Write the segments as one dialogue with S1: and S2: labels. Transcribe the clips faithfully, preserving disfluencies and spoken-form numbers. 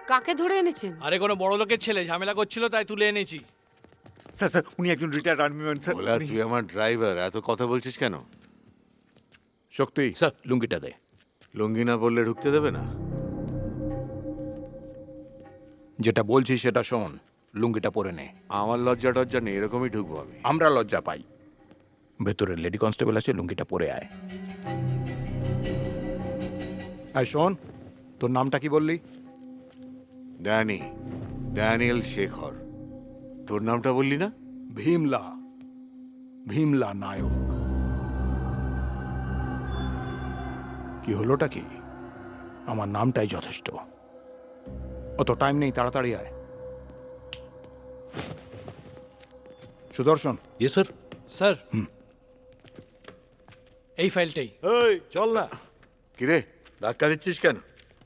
S1: কাকে ধরে এনেছেন?
S2: আরে কোনো বড় লোকের ছেলে ঝামেলা করছিল তাই তুলে এনেছি।
S3: স্যার স্যার উনি একজন রিটায়ার্ড আর্মি ম্যান স্যার।
S4: বলা
S3: উনি-
S4: তুই আমার ড্রাইভার, এত কথা বলছিস কেন?
S5: শক্তি স্যার লুঙ্গিটা দে।
S4: লুঙ্গি না বললে ঢুকতে দেবে না?
S5: যেটা বলছি সেটা শোন, লুঙ্গিটা পরে নে।
S4: আমার লজ্জা টজ্জা নেই, এরকমই ঢুকবো আমি।
S5: আমরা লজ্জা পাই। ভেতরে লেডি কনস্টেবল আছে, লুঙ্গিটা পরে আয়। আয় শোন, তোর নামটা কি বললি?
S4: Danny, Daniel Shekhar. তোর নামটা বললি না?
S5: ভীমলা, ভীমলা নায়ক। কি হলোটা কি? আমার নামটাই যথেষ্ট। অত টাইম নেই, তাড়াতাড়ি আয়। সুদর্শন।
S6: ইয়ে স্যার।
S2: স্যার এই ফাইলটাই।
S6: এই চল না।
S4: কিরে ধাক্কা দিচ্ছিস কেন?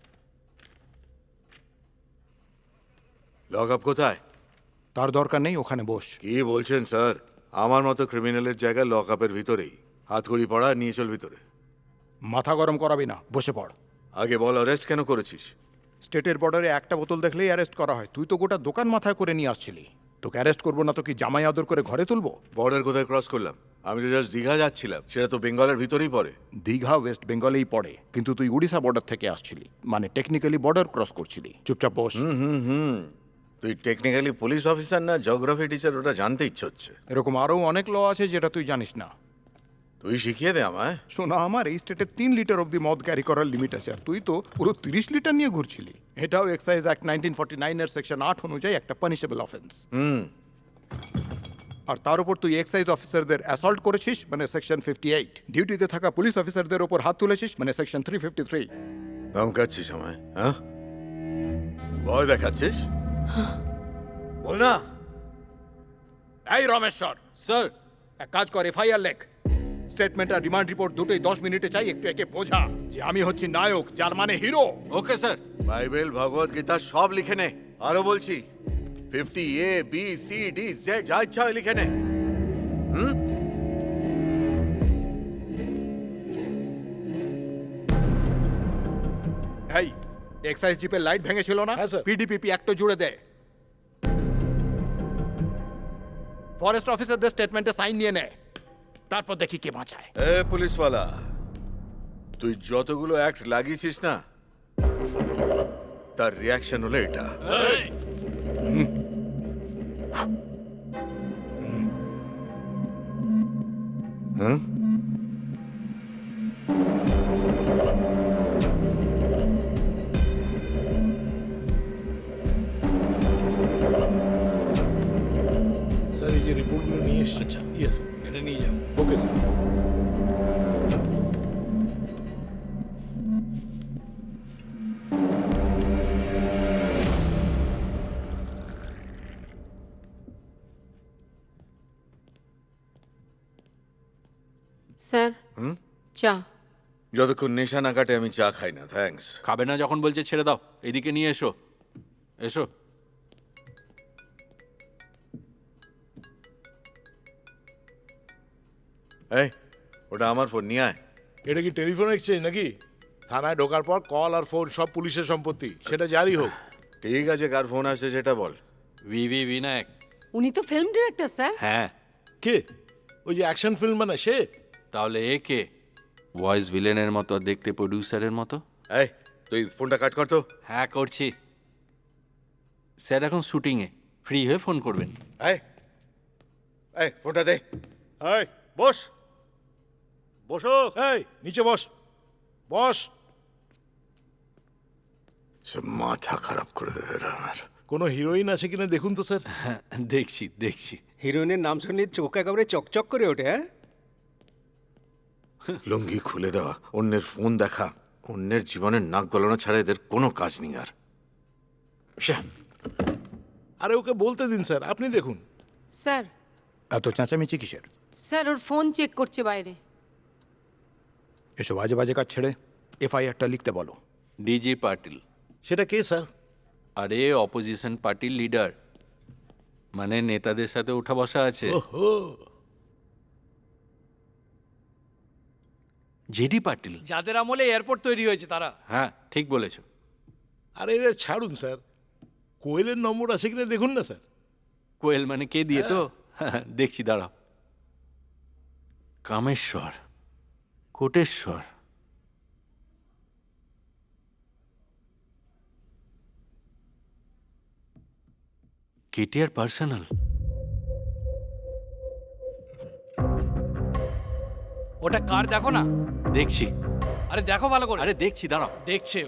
S4: লক আপ কোথায়?
S5: তার দরকার নেই, ওখানে বস।
S4: কি বলছেন স্যার? আমার মতো ক্রিমিনালের জায়গায় লক আপের ভিতরেই। হাতকড়ি পড়া, নিয়ে চল ভিতরে।
S5: মাথা গরম করাবি না, বসে পড়।
S4: আগে বল, অ্যারেস্ট কেন করেছিস?
S5: স্টেটের বর্ডারে একটা বোতল দেখলেই অ্যারেস্ট করা হয়। তুই তো গোটা দোকান মাথায় করে নিয়ে আসছিলি। তোকে অ্যারেস্ট করবো না তো কি জামাই আদর করে ঘরে তুলবো?
S4: বর্ডার কোথায় ক্রস করলাম? আমি তো জাস্ট দীঘা যাচ্ছিলাম, সেটা তো বেঙ্গলের ভিতরেই পড়ে।
S5: দীঘা ওয়েস্ট বেঙ্গলেই পড়ে, কিন্তু তুই উড়িষ্যা বর্ডার থেকে আসছিলি, মানে টেকনিক্যালি বর্ডার ক্রস করছিলি। চুপচাপ বস।
S4: হুম হুম তুই টেকনিক্যালি পুলিশ অফিসার না জিওগ্রাফি টিচার, ওটা জানতে ইচ্ছে হচ্ছে।
S5: এরকম আরও অনেক ল আছে যেটা তুই জানিস না।
S4: তুই শিখিয়ে দে আমায়।
S5: শোনা, আমার এই স্টেটে তিন লিটার অব্দি মদ ক্যারি করার লিমিট আছে, আর তুই তো পুরো তিরিশ লিটার নিয়ে ঘুরছিলি। এটাও এক্সাইজ অ্যাক্ট নাইনটিন ফর্টি নাইনের সেকশন আট অনুযায়ী একটা পানিশেবল অফেন্স।
S4: হুম
S5: আর তার উপর তুই এক্সাইজ অফিসারদের অ্যাসল্ট করেছিস, মানে সেকশন ফিফটি এইট। ডিউটিতে থাকা পুলিশ অফিসারদের ওপর হাত তুলেছিস, মানে সেকশন থ্রি ফিফটি থ্রি।
S4: ধমকাচ্ছিস আমায়? হ্যাঁ, ভয় দেখাচ্ছিস? বল না।
S5: এই রমেশ্বর,
S2: স্যার
S5: এক কাজ কর, এফআইআর লেখ। স্টেটমেন্ট আর রিমান্ড রিপোর্ট দুটোই দশ মিনিটে চাই। একটু একে বোঝা যে আমি হচ্ছি নায়ক, যার মানে hero.
S2: Okay sir.
S4: Bible, Bhagavad Gita সব লিখে নে। আরো বলছি, fifty A B C D Z যা ইচ্ছা হয় লিখে নে। হুম
S5: এই এক্সাইজ জিপের লাইট ভেঙেছিল না?
S6: হ্যাঁ, স্যার।
S5: পিডিপিপি একটা জুড়ে দে। ফরেস্ট অফিসারদের স্টেটমেন্টে সাইন নিয়ে নে, তারপর দেখি কে বাঁচায়।
S4: এ পুলিশওয়ালা, তুই যতগুলো অ্যাক্ট লাগিয়েছিস না, তার রিয়াকশন হলো এটা। হুম
S6: স্যার এই যে রিপোর্টগুলো নিয়ে এসেছি।
S2: আচ্ছা।
S6: Yes sir.
S2: এটা নিয়ে যাও।
S6: Okay sir.
S1: স্যার চা।
S4: যতক্ষণ নেশা না কাটে আমি চা খাই না, থ্যাঙ্কস।
S2: খাবে না যখন বলছে ছেড়ে দাও। এদিকে নিয়ে এসো, এসো।
S4: এই, ওটা আমার ফোন, নিয়ে আয়।
S6: এটা কি টেলিফোন এক্সচেঞ্জ নাকি? থানায় ঢোকার পর কল আর ফোন সব পুলিশের সম্পত্তি, সেটা জারি হোক।
S4: ঠিক আছে, কার ফোন আসছে সেটা বল।
S2: ভিভি বিনায়ক।
S1: উনি তো ফিল্ম ডিরেক্টর স্যার।
S2: হ্যাঁ,
S6: কে? ওই যে অ্যাকশন ফিল্ম বানায় সে?
S2: তাহলে এ কে? ভয়েস ভিলেনের মতো, দেখতে প্রডিউসারের মতো।
S4: এই, তুই ফোনটা কাট কর তো।
S2: হ্যাঁ করছি। স্যার এখন শুটিংয়ে, ফ্রি হয়ে ফোন করবেন।
S4: এই এই ফোনটা দে।
S6: এই বস, বসো। এই নিচে বস, বস।
S4: সে মাথা খারাপ করে দেবে আমার।
S6: কোনো হিরোইন আছে কিনা দেখুন তো স্যার।
S2: হ্যাঁ দেখছি দেখছি।
S7: হিরোইনের নাম শুনে চোখ একেবারে চকচক করে ওঠে। হ্যাঁ,
S4: লুঙ্গি খুলে দেওয়া, অন্যের ফোন দেখা, অন্যের জীবনের নাক গলানো ছাড়া এদের কোনো কাজ নেই আর। শ্যাঃ।
S6: আরে ওকে বলতে দিন স্যার, আপনি দেখুন।
S1: স্যার
S5: এত চেঁচামেচি কিসের?
S1: স্যার ওর ফোন চেক করছে বাইরে।
S5: এসব বাজে বাজে কাজ ছেড়ে এফআইআরটা লিখতে বলো।
S2: ডিজি পাটিল।
S6: সেটা কে স্যার?
S2: আরে অপোজিশন পার্টির লিডার, মানে নেতাদের সাথে উঠা বসা আছে।
S6: ওহো,
S2: জেডি পাটিল, যাদের আমলে এয়ারপোর্ট তৈরি হয়েছে তারা। হ্যাঁ ঠিক বলেছো।
S6: আরে এদের ছাড়ুন স্যার, কোয়েলের নম্বর আছে কিনা দেখুন না স্যার।
S2: কোয়েল মানে কে দিয়ে তো দেখছি দাঁড়াও। Kameshwar, Koteshwar, KTR personal.
S8: ওটা কার দেখো না।
S2: দেখছি,
S8: আরে দেখো ভালো করে।
S2: আরে দেখছি দাঁড়াও।
S8: দেখছে।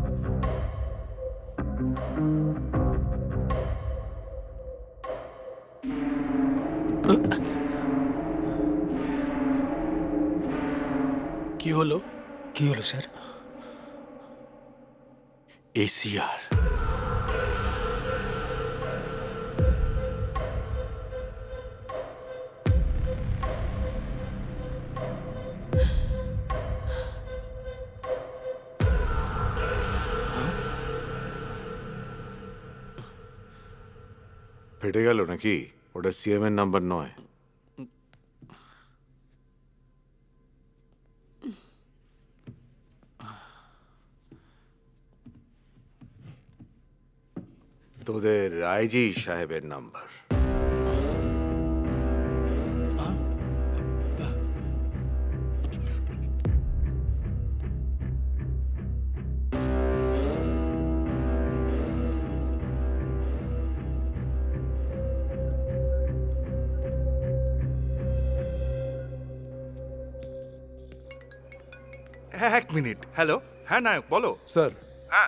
S8: কি হলো?
S7: কি হলো স্যার?
S2: এসিআর।
S4: ফেটে গেল নাকি? ওটা সিএম এর নাম্বার নয়। তোদের আইজি সাহেবের নাম্বার।
S9: হ্যাঁ এক মিনিট। হ্যালো, হ্যাঁ নায়ক বলো।
S5: স্যার,
S9: হ্যাঁ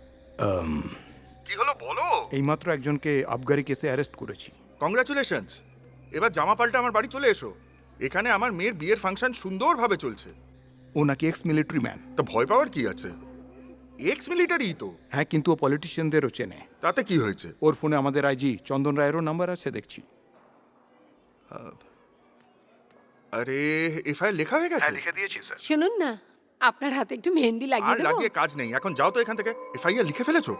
S9: কি হলো বলো।
S5: এইমাত্র একজনকে আবগারি কেসে অ্যারেস্ট করেছি।
S9: কংগ্রাচুলেশনস। এবার জামা পাল্টে আমার বাড়ি চলে এসো। এখানে আমার মেয়ের বিয়ের ফাংশন সুন্দরভাবে চলছে।
S5: ও নাকি এক্স মিলিটারি ম্যান।
S9: তো ভয় পাওয়ার কি আছে? এক্স মিলিটারি তো।
S5: হ্যাঁ, কিন্তু ও পলিটিশিয়ানদেরও চেনে।
S9: তাতে কি হয়েছে?
S5: ওর ফোনে আমাদের আইজি চন্দন রায়েরও নাম্বার আছে দেখছি।
S9: আরে এফআইআর লেখা হয়ে গেছে?
S6: লিখে দিয়েছি স্যার।
S1: শুনুন না, আপনার হাতে একটু মেহেন্দি
S9: আর
S1: লাগিয়ে দেবো?
S9: লাগিয়ে কাজ নেই, এখন যাও তো এখান থেকে। এফআইআর লিখে ফেলেছো?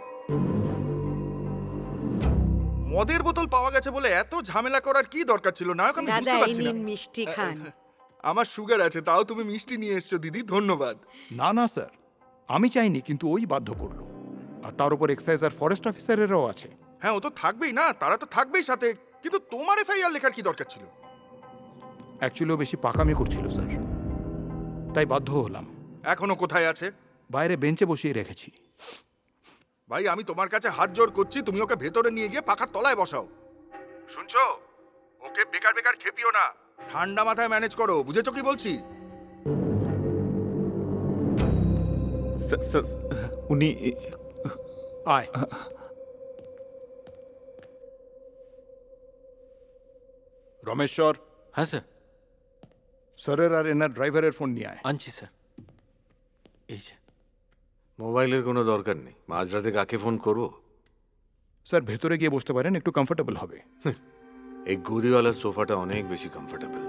S9: মদের বোতল পাওয়া গেছে বলে এত ঝামেলা করার কি দরকার ছিল নায়ক? আমি
S10: দাদা
S9: বুঝতে
S10: এই
S9: পারছি না।
S10: নিন মিষ্টি খান।
S9: আমার সুগার আছে, তাও তুমি মিষ্টি নিয়ে এসছো দিদি, ধন্যবাদ।
S5: না না স্যার, আমি চাইনি, কিন্তু ওই বাধ্য করলো। আর তার উপর এক্সাইজ আর ফরেস্ট অফিসারেরও আছে।
S9: হ্যাঁ ও তো থাকবেই না, তারা তো থাকবেই সাথে, কিন্তু তোমার এফআইআর লেখার কি দরকার ছিল?
S5: অ্যাকচুয়ালি ও বেশি পাকামি করছিল স্যার, তাই বাধ্য হলাম।
S9: এখনো কোথায় আছে?
S5: বাইরে বেঞ্চে বসিয়ে রেখেছি।
S9: ভাই আমি তোমার কাছে হাত জোর করছি, তুমি ওকে ভেতরে নিয়ে গিয়ে পাখার তলায় বসাও। শুনছো? ওকে বেকার বেকার খেপিও না, ঠান্ডা মাথায় ম্যানেজ করো, বুঝেছো কি বলছি?
S3: স্যার স্যার, উনি
S5: আয়। রমেশ্বর,
S2: হ্যাঁ স্যার,
S5: স্যারের আর এনার ড্রাইভারের ফোন নিয়ে আয়।
S2: আনছি স্যার। এই যে
S4: মোবাইলের কোনো দরকার নেই। মাঝরাতে কাকে ফোন করবো?
S5: স্যার, ভেতরে গিয়ে বসতে পারেন, একটু কমফোর্টেবল হবে।
S4: এই গদিওয়ালার সোফাটা অনেক বেশি comfortable.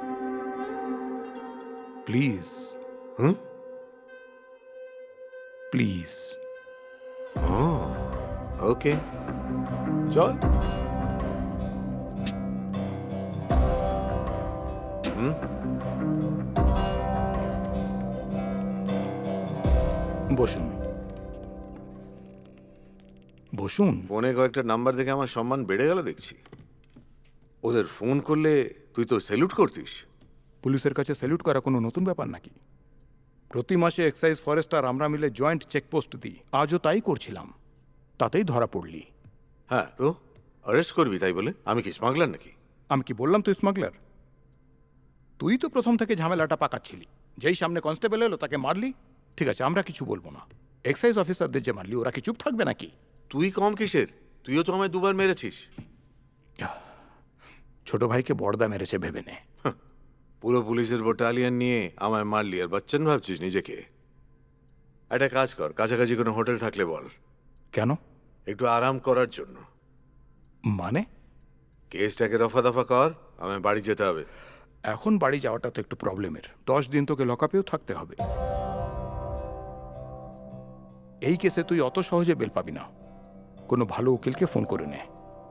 S5: Please
S4: hmm
S5: please.
S4: Okay চল। হুম
S5: বসুন বসুন।
S4: ফোনে কয়েকটা নাম্বার দেখে আমার সম্মান বেড়ে গেল দেখছি। ওদের ফোন করলে তুই তো স্যালুট করতিস।
S5: পুলিশের কাছে স্যালুট করা কোনো নতুন ব্যাপার নাকি? প্রতি মাসে এক্সাইজ ফরেস্ট আর আমরা মিলে জয়েন্ট চেকপোস্ট দিই, আজও তাই করছিলাম, তাতেই ধরা পড়লি।
S4: হ্যাঁ তো অ্যারেস্ট করবি তাই বলে? আমি কি স্মাগলার নাকি?
S5: আমি কি বললাম তুই স্মাগলার? তুই তো প্রথম থেকে ঝামেলাটা পাকাচ্ছিলি। যেই সামনে কনস্টেবল এলো তাকে মারলি। ঠিক আছে, আমরা কিছু বলবো না। এক্সাইজ অফিসারদের যে মারলি, ওরা কি চুপ থাকবে নাকি?
S4: তুই কম কিসের? তুইও তো আমায় দুবার মেরেছিস।
S5: ছোট ভাইকে বড়দা মেরেছে ভেবে নে।
S4: পুরো পুলিশের ব্যাটালিয়ন নিয়ে আমায় মারলি আর বাচ্চান ভাবছিস নিজেকে? একটা কাজ কর, কাছাকাছি কোনো হোটেল থাকলে বল।
S5: কেন?
S4: একটু আরাম করার জন্য।
S5: মানে?
S4: কেসটাকে রফা দফা কর, আমায় বাড়ি যেতে হবে।
S5: এখন বাড়ি যাওয়াটা তো একটু প্রবলেমের। দশ দিন তোকে লকআপেও থাকতে হবে। এই কেসে তুই অত সহজে বেল পাবি না। কোনো ভালো উকিলকে ফোন করে নে।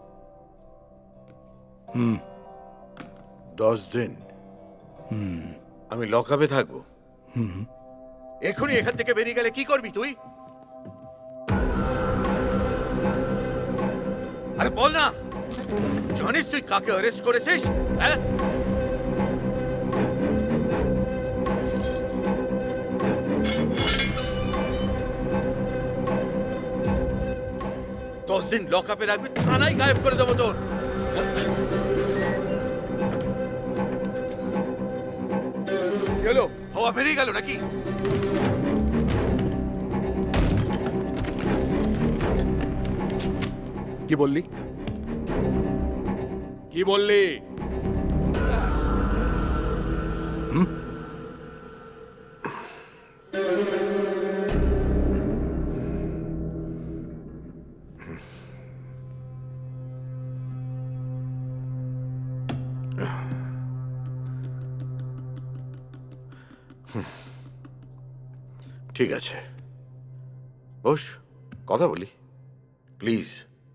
S5: হুম
S4: দশ দিন আমি লকআপে থাকবো? এখনই এখান থেকে বেরিয়ে গেলে কি করবি তুই? আরে বল না, জানিস তুই কাকে অ্যারেস্ট করেছিস? হ্যাঁ, দশ দিন লক আপে রাখবি, থানায় গায়েব করে দেবো তোর।
S9: গেলো
S4: হাওয়া বেরিয়ে গেল নাকি?
S5: কি বললি? কি বললি? হুম?
S4: ঠিক আছে, বস, কথা বলি প্লিজ।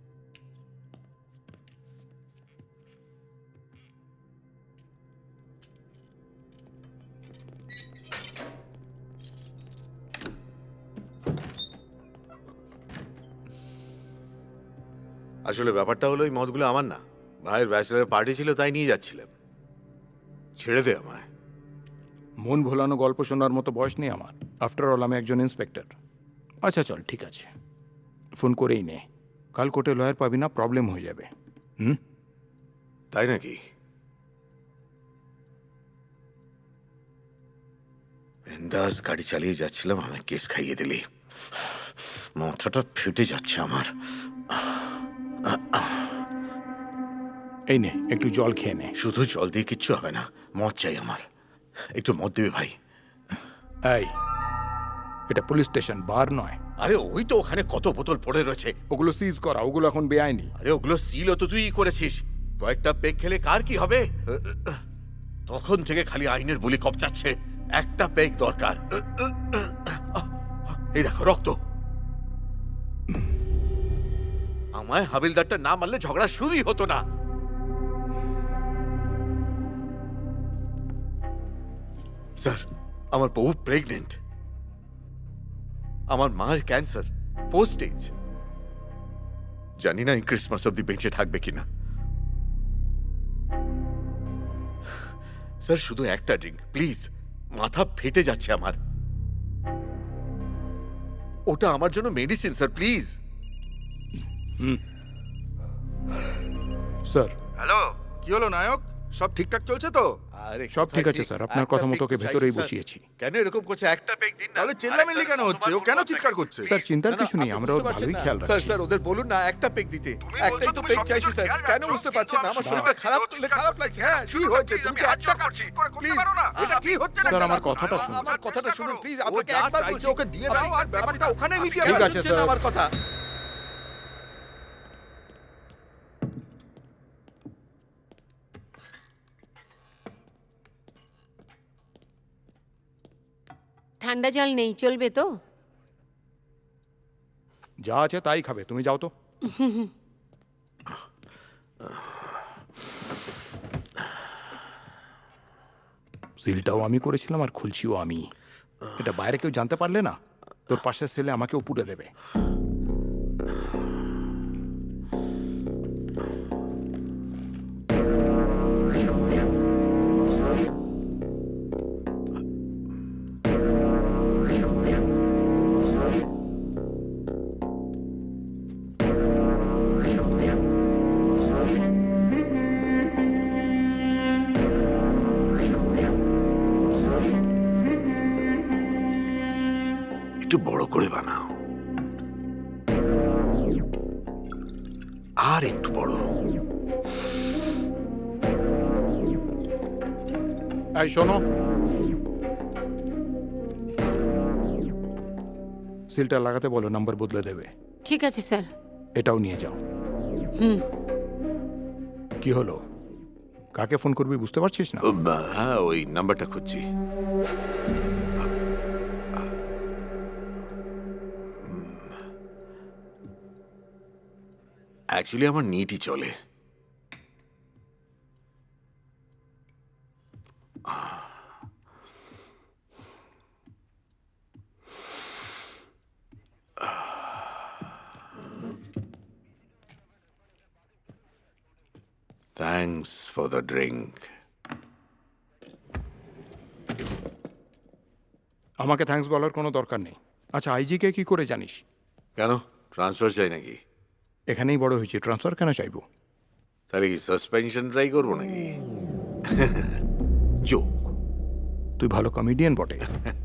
S4: আসলে ব্যাপারটা হলো এই মদগুলো আমার না, ভাইয়ের ব্যাচেলার পার্টি ছিল তাই নিয়ে যাচ্ছিলাম। ছেড়ে দে আমায়।
S5: মন ভোলানো গল্প শোনার মতো বয়স নেই আমার। আফটার অল আমি একজন ইন্সপেক্টর। আচ্ছা চল, ঠিক আছে, ফোন করেই নে। কাল কোর্টে লয়ার পাবি না, প্রবলেম হয়ে যাবে। হুম?
S4: তাই নাকি? বিন্দাস গাড়ি চালিয়ে যাচ্ছিলাম, আমায় কেস খাইয়ে দিলি। মাথাটা ফেটে যাচ্ছে আমার।
S5: এই নে, একটু জল খেয়ে নে।
S4: শুধু জল দিয়ে কিচ্ছু হবে না, মদ চাই আমার। একটু মদ দিবি ভাই?
S5: এই, এটা পুলিশ স্টেশন, বার নয়।
S4: আরে ওই তো ওখানে কত বোতল পড়ে রয়েছে।
S5: ওগুলো সিজ করা, ওগুলো এখন বেআইনি।
S4: আরে ওগুলো সিলও তো তুই করেছিস। কয়েকটা পেগ খেলে কার কি হবে? তখন থেকে খালি আইনের বুলি কপচাচ্ছে। একটা পেগ দরকার। এই দেখো রক্ত। আমায় হাবিলদারটা না মারলে ঝগড়া শুরুই হতো না। স্যার, আমার বউ প্রেগনেন্ট, আমার মায়ের ক্যান্সার ফোর স্টেজ। জানি না এই ক্রিসমাস অব্দি বেঁচে থাকবে কিনা। স্যার শুধু একটা ড্রিঙ্ক প্লিজ, মাথা ফেটে যাচ্ছে আমার। ওটা আমার জন্য medicine sir, please.
S5: Sir,
S9: hello, কি হলো নায়ক? সব ঠিকঠাক চলছে তো?
S4: আরে
S5: সব ঠিক আছে স্যার, আপনার কথা মতো ওকে ভেতরেই বসিয়েছি।
S4: কেন এরকম করছে? একটা পেগ দিন না।
S9: তাহলে চেল্লামিল্লি কেন হচ্ছে? ও কেন চিৎকার করছে?
S5: স্যার চিন্তার
S4: না, না,
S5: কিছু নেই,
S4: আপনি
S5: আমরা ওর
S4: বুঝতে পারছেন
S5: ভালোই
S4: না।
S5: খেয়াল
S4: স্যার
S5: রাখছি।
S4: স্যার ওদের বলুন না একটা পেগ দিতে।
S9: তুমি
S4: একটাই
S9: বলছো
S4: তো
S9: তুমি
S4: পেগ
S9: সব
S4: চাইছি
S9: কিছুর
S4: স্যার।
S9: খেয়াল
S4: কেন
S9: রাখছো,
S4: বুঝতে
S9: কিন্তু
S4: পারছেন না?
S9: আমি
S4: আমার
S9: শুনতে
S4: শরীরটা খারাপ
S9: পাচ্ছি,
S4: করলে
S9: ও
S4: খারাপ
S9: চিৎকার
S4: লাগছে।
S9: করছে।
S4: হ্যাঁ, কি হয়েছে? তুমি
S9: আমি
S4: তো
S9: হাত
S4: একটা
S9: জোর করছি,
S4: করছি
S9: করে করতে
S4: প্লিজ।
S9: পারো না?
S4: এটা কি হচ্ছে না?
S5: স্যার, আমার কথাটা শুনুন।
S4: আমার কথাটা শুনুন প্লিজ।
S9: ও
S4: আপনাকে
S9: যা
S4: একবার
S9: চাইছে
S4: বলছি
S9: ওকে দিয়ে দাও আর ব্যাপারটা ওখানে মিটিয়ে
S5: ঠিক
S9: ফেলো।
S5: আছে,
S4: শুনছেন না
S5: স্যার।
S4: আমার কথা?
S1: ঠান্ডা জল নেই, চলবে তো?
S5: যা আছে তাই খাবে, তুমি যাও তো। সিলটাও আমি করেছিলাম আর খুলছিও আমি। এটা বাইরে কেউ জানতে পারলে না, তোর পাশের ছেলে আমাকেও পুড়ে দেবে।
S4: একটু বড় করে বানাও, আর একটু বড়।
S5: এই শোনো, সিলটা লাগাতে বলো, নাম্বার বদলে দেবে।
S1: ঠিক আছে স্যার।
S5: এটাও নিয়ে যাও।
S1: হুম।
S5: কি হলো, কাকে ফোন করবি বুঝতে পারছিস না?
S4: ও, বা- হ্যাঁ ওই নাম্বারটা খুঁজছি। অ্যাকচুয়ালি আমার নিটই চলে। Thanks for the drink.
S5: আমাকে থ্যাঙ্কস বলার কোনো দরকার নেই। আচ্ছা, আইজিকে কি করে জানিস?
S4: কেন, ট্রান্সফার চাই নাকি?
S5: এখানেই বড় হয়েছি, ট্রান্সফার কেন চাইবো?
S4: তাহলে কি সাসপেনশন ট্রাই করবো নাকি?
S5: জোক, তুই ভালো কমেডিয়ান বটে।